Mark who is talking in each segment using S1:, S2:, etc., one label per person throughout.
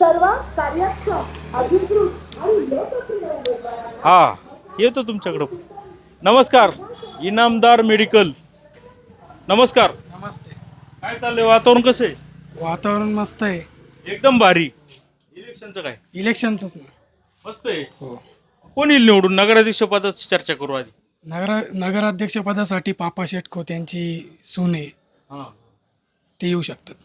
S1: सर्व कार्यक्षम अधिकृत आणि लोकप्रिय उमेदवारांना
S2: हा येतो तुमच्याकडं. नमस्कार, इनामदार मेडिकल. नमस्कार.
S3: नमस्ते.
S2: काय चाललंय, वातावरण कसं आहे?
S3: वातावरण मस्त आहे.
S2: एकदम भारी. इलेक्शनचं काय
S3: इलेक्शनचंच ना.
S2: मस्त आहे.
S3: हो.
S2: कोण येईल निवडून? नगराध्यक्ष पदाची चर्चा करू आधी.
S3: नगराध्यक्षपदासाठी पापा शेट खोत यांची सून आहे,
S2: हा,
S3: ते येऊ शकतात.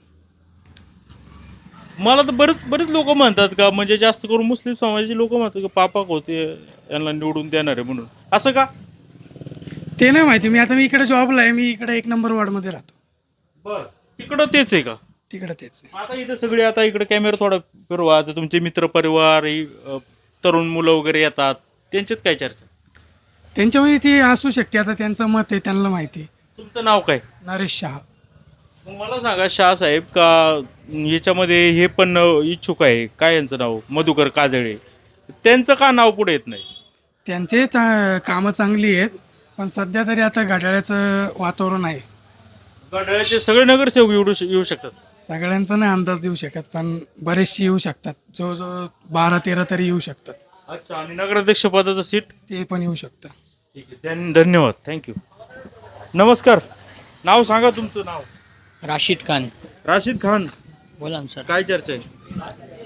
S2: मला तर बरेच लोक म्हणतात का, म्हणजे जास्त करून मुस्लिम समाजाचे लोक म्हणतात का पापा होते यांना निवडून देणार आहे म्हणून. असं का?
S3: ते नाही माहिती. मी इकडे जॉबला आहे. मी इकडे 1 नंबर वॉर्डमध्ये राहतो.
S2: बर, तिकडं तेच आहे का?
S3: तिकडे तेच आहे.
S2: आता इथं सगळे, आता इकडे कॅमेरा थोडा फिरवा, आता तुमचे मित्र परिवार तरुण मुलं वगैरे येतात, त्यांच्यात काय चर्चा?
S3: त्यांच्यामध्ये ते असू शकते. आता त्यांचं मत आहे, त्यांना माहिती.
S2: तुमचं नाव काय?
S3: नरेश शहा.
S2: मग मला सांगा शाह साहेब, का याच्यामध्ये हे पण इच्छुक आहे, काय यांचं नाव, मधुकर काजळे, त्यांचं का नाव पुढे येत नाही?
S3: त्यांचे कामं चांगली आहेत, पण सध्या तरी आता घड्याळ्याचं वातावरण आहे.
S2: गडाळ्याचे सगळे नगरसेवक येऊ शकतात.
S3: सगळ्यांचा नाही अंदाज देऊ शकत, पण बरेचसे येऊ शकतात. जो 12-13 तरी येऊ शकतात.
S2: अच्छा, आणि नगराध्यक्ष पदाचं सीट?
S3: ते पण येऊ शकतं.
S2: ठीक आहे, धन्यवाद, थँक्यू. नमस्कार, नाव सांगा तुमचं नाव.
S4: राशिद खान.
S2: राशिद खान,
S4: बोला ना सर.
S2: काय चर्चा आहे?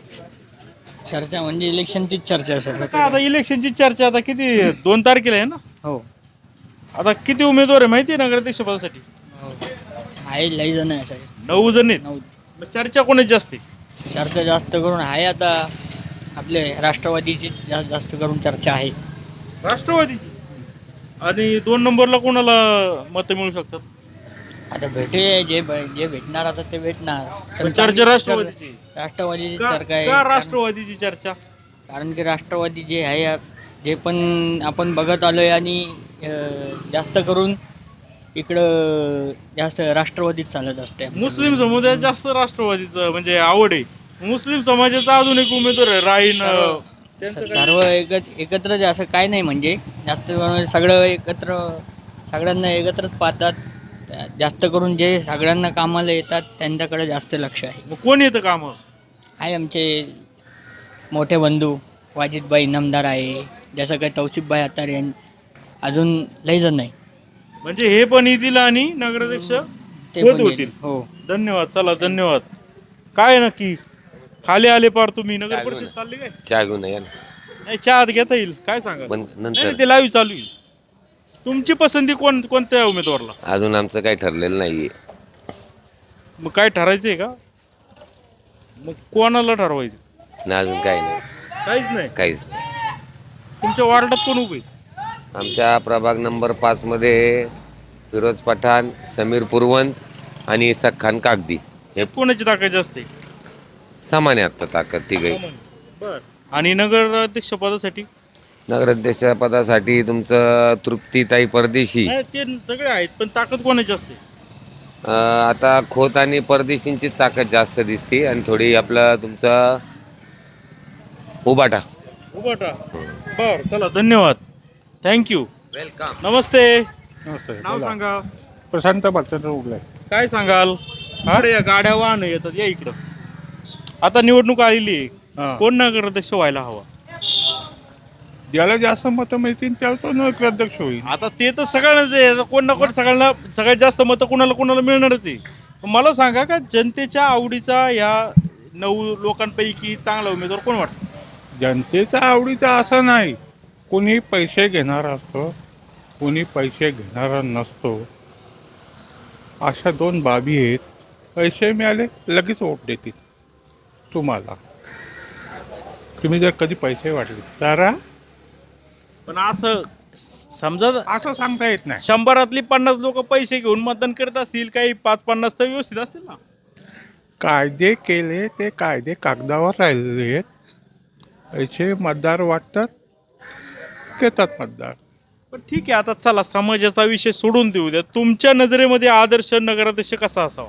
S4: चर्चा म्हणजे इलेक्शनचीच चर्चा आहे सर.
S2: का आता इलेक्शनची चर्चा आता किती, 2 तारखेला आहे ना?
S4: हो
S2: आता किती उमेदवार आहे माहिती आहे नगराध्यक्ष पदासाठी?
S4: हो आहे, लई जण आहे सर.
S2: 9 जण आहेत.
S4: 9.
S2: मग चर्चा कोणाची जास्त आहे?
S4: चर्चा जास्त करून आहे आता आपले राष्ट्रवादीची जास्त करून चर्चा आहे.
S2: राष्ट्रवादीची. आणि 2 नंबरला कोणाला मतं मिळू शकतात?
S4: आता जे भेटणार आता ते भेटणार.
S2: पण चर्चा राष्ट्रवादीची.
S4: राष्ट्रवादीची
S2: का
S4: चर्चा आहे.
S2: राष्ट्रवादीची चर्चा?
S4: कारण की राष्ट्रवादी जे आहे, जे पण आपण बघत आलोय, आणि जास्त करून इकडं जास्त राष्ट्रवादीच चालत असते.
S2: मुस्लिम समुदायात जास्त राष्ट्रवादीचं म्हणजे आवड आहे. मुस्लिम समाजाचा अजून एक उमेदवार आहे राईन.
S4: सर्व एकत्रच आहे असं काय नाही. म्हणजे जास्त करून सगळं एकत्र, सगळ्यांना एकत्रच पाहतात. जास्त करून जे सगळ्यांना कामाला येतात त्यांच्याकडे जास्त लक्ष आहे.
S2: मग कोण येतं काम?
S4: आहे आमचे मोठे बंधू वाजिदभाई इनामदार आहे, जसं काही तौसिफभाई अत्तार यांनी, अजून लई जण नाही.
S2: म्हणजे हे पण येतील आणि नगराध्यक्ष
S4: ते
S2: होत
S4: पण
S2: होतील.
S4: येतील. हो.
S2: धन्यवाद, चला धन्यवाद. काय नक्की खाली आले पार तुम्ही? नगर परिषद चालली काय?
S5: चहा घेऊन या ना.
S2: नाही, चहा घेता येईल. काय सांगा?
S5: पण नंतर
S2: नाही, ते लाईव्ह चालू आहे. तुमची पसंती कोणत्या उमेदवारला?
S5: अजून आमचं काही ठरलेलं नाहीये.
S2: मग काय ठरायचंय का? मग कोणाला ठरवायचं?
S5: ना अजून काही नाही.
S2: काहीच नाही.
S5: नाही.
S2: तुमच्या वार्डात कोण उभे?
S5: आमच्या प्रभाग नंबर 5 मध्ये फिरोज पठाण, समीर पुरवंत आणि इसाक खान कागदी हे
S2: कोणाची ताकद जास्त आहे?
S5: समान आहे आता ताकद तिघही.
S2: बर. आणि नगराध्यक्ष पदासाठी?
S5: नगराध्यक्ष पदासाठी तुमचं तृप्तीताई परदेशी.
S2: नाही, ते सगळे आहेत, पण ताकद कोणाची असते?
S5: आता खोत आणि परदेशींची ताकद जास्त दिसते, आणि थोडी आपलं तुमचं उबाटा.
S2: बर, चला धन्यवाद, थँक्यू,
S5: वेलकम.
S2: नमस्ते.
S6: नमस्ते.
S2: नाव
S6: बोला.
S2: सांगा.
S6: प्रशांत भालचंद्र उगले.
S2: काय सांगाल? अरे या गाड्या वाहन येतात, या इकडं. आता निवडणूक आलेली आहे,
S6: हां.
S2: कोण नगराध्यक्ष व्हायला हवा?
S6: ज्याला जास्त मतं मिळतील त्याला तो नगराध्यक्ष होईल.
S2: आता ते तर सगळ्यांनाच आहे. आता कोण ना कोण सगळ्यांना सगळ्यात जास्त मतं कोणाला मिळणारच आहे. पण मला सांगा का जनतेच्या आवडीचा या 9 लोकांपैकी चांगला उमेदवार कोण वाटतो?
S6: जनतेचा आवडीचा असं नाही. कोणी पैसे घेणारा असतो, कोणी पैसे घेणारा नसतो. अशा 2 बाबी आहेत. पैसे मिळाले लगेच वोट देतील तुम्हाला. तुम्ही जर कधी पैसे वाटले तर
S2: पण असं समजा
S6: असं सांगता येत नाही.
S2: 100रातली 50 लोक पैसे घेऊन मतदान करत असतील, काही 5-50 तर व्यवस्थित असतील ना.
S6: कायदे केले ते कायदे कागदावर राहिलेले आहेत. पैसे मतदार वाटतात, घेतात मतदार.
S2: पण ठीक आहे, आता चला समाजाचा विषय सोडून देऊ द्या. तुमच्या नजरेमध्ये आदर्श नगराध्यक्ष कसा असावा?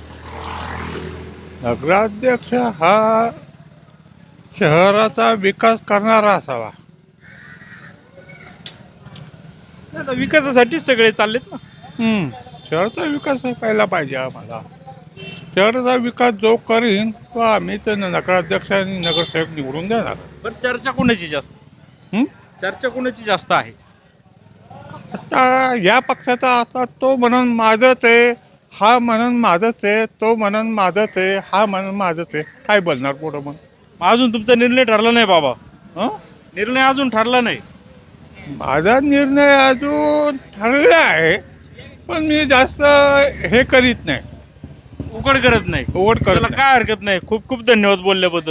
S6: नगराध्यक्ष हा शहराचा विकास करणारा असावा.
S2: आता विकासासाठीच सगळे चाललेत ना.
S6: शहराचा विकास व्हायला पाहिजे आम्हाला. शहराचा विकास जो करीन तो आम्ही तर नगराध्यक्ष आणि नगरसेवक निवडून देणार.
S2: बरं चर्चा कोणाची जास्त
S6: हं?
S2: चर्चा कोणाची जास्त आहे?
S6: आता या पक्षाचा असा तो म्हणून माझंच आहे, हा म्हणून माझंच आहे, तो म्हणून माझंच आहे, हा म्हणून माझंच आहे. काय बोलणार पुढं मग?
S2: अजून तुमचा निर्णय ठरला नाही बाबा?
S6: हं?
S2: निर्णय अजून ठरला नाही?
S6: माझा निर्णय अजून ठरला आहे, पण मी जास्त हे करीत नाही,
S2: उघड करत नाही.
S6: ओढ करत
S2: त्याला
S6: नाही.
S2: काय हरकत नाही. खूप खूप धन्यवाद बोलल्याबद्दल.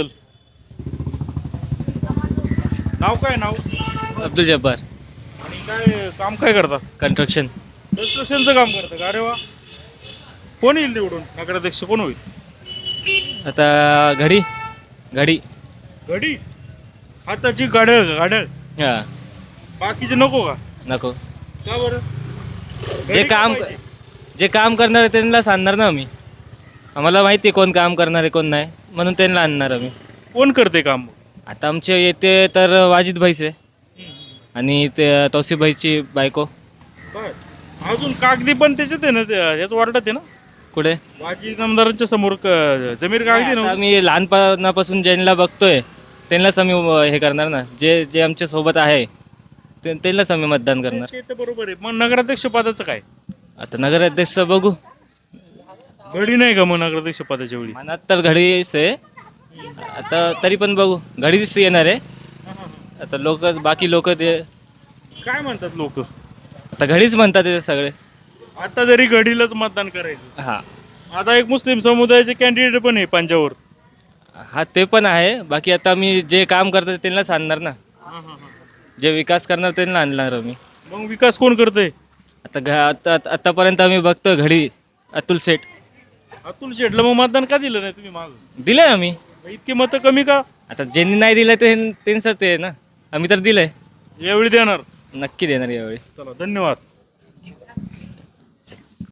S2: नाव काय नाव?
S7: अब्दुल जब्बार.
S2: आणि काय काम काय करता?
S7: कंस्ट्रक्शन.
S2: कन्स्ट्रक्शनचं काम करतं का? अरे वा. कोण येईल निवडून? नगराध्यक्ष कोण होईल?
S7: आता घडी घडी
S2: घडी हाताची गाडळ गाडळ.
S7: हां
S2: बाकीचे नको का?
S7: नको.
S2: का बरं?
S7: जे
S2: घडी का
S7: काम
S2: पाहिजे?
S7: जे काम करणार आहे त्यांना आणणार ना आम्ही. आम्हाला माहिती आहे कोण काम करणार आहे कोण नाही, म्हणून त्यांना आणणार आम्ही.
S2: कोण करते काम?
S7: आता आमचे येते तर वाजिद भाईच आहे आणि ते तौसिफ भाईची बायको.
S2: काय अजून कागदी पण त्याच्यात आहे ना, याच वार्डात आहे ना,
S7: कुठे?
S2: वाजी आमदारांच्या समोर जमीर कागदी
S7: आता
S2: ना.
S7: आम्ही लहानपणापासून ज्यांना बघतोय त्यांनाच आम्ही हे करणार ना, जे जे आमच्या सोबत आहे त्यांनाच आम्ही मतदान करणार.
S2: ते तर बरोबर आहे. मग नगराध्यक्ष पदाचं काय?
S7: आता नगराध्यक्ष बघू.
S2: घडी नाही का मग नगराध्यक्ष पदाच्या वेळी?
S7: मनात तर घडीच आहे, आता तरी पण बघू. घडीच येणार आहे. आता लोक बाकी लोक ते
S2: काय म्हणतात लोक?
S7: आता घडीच म्हणतात ते सगळे.
S2: आता जरी घडीलाच मतदान करायचं.
S7: हां
S2: आता एक मुस्लिम समुदायाचे कॅन्डिडेट पण आहे पंजावर.
S7: हा ते पण आहे. बाकी आता आम्ही जे काम करतात त्यांनाच आणणार ना, जे विकास करणार त्यांना आणणार आम्ही.
S2: मग विकास कोण करतंय?
S7: आता आतापर्यंत आम्ही बघतो घडी अतुल शेठ.
S2: अतुल शेटला मग मतदान का दिलं नाही तुम्ही? माग
S7: दिलंय आम्ही.
S2: इतकी मतं कमी का?
S7: आता ज्यांनी नाही दिलं ते त्यांचं ते ना, आम्ही तर दिलंय.
S2: यावेळी देणार.
S7: नक्की देणार यावेळी.
S2: चला धन्यवाद.